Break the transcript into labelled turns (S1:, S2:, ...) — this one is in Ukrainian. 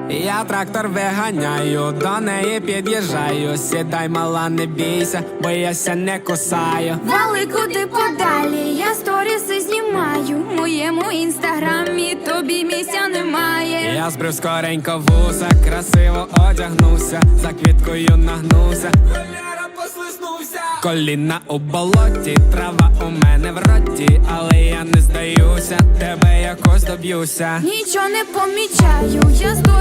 S1: Я трактор виганяю, до неї під'їжджаю. Сідай, мала, не бійся, бо я ся не кусаю.
S2: Вали куди подалі, я сторіси знімаю. В моєму інстаграмі тобі місця немає.
S1: Я збрив скоренько вуса, красиво одягнувся, за квіткою нагнувся. Холєра, послизнувся. Коліна у болоті, трава у мене в роті, але я не здаюся, тебе якось доб'юся.
S2: Нічого не помічаю, я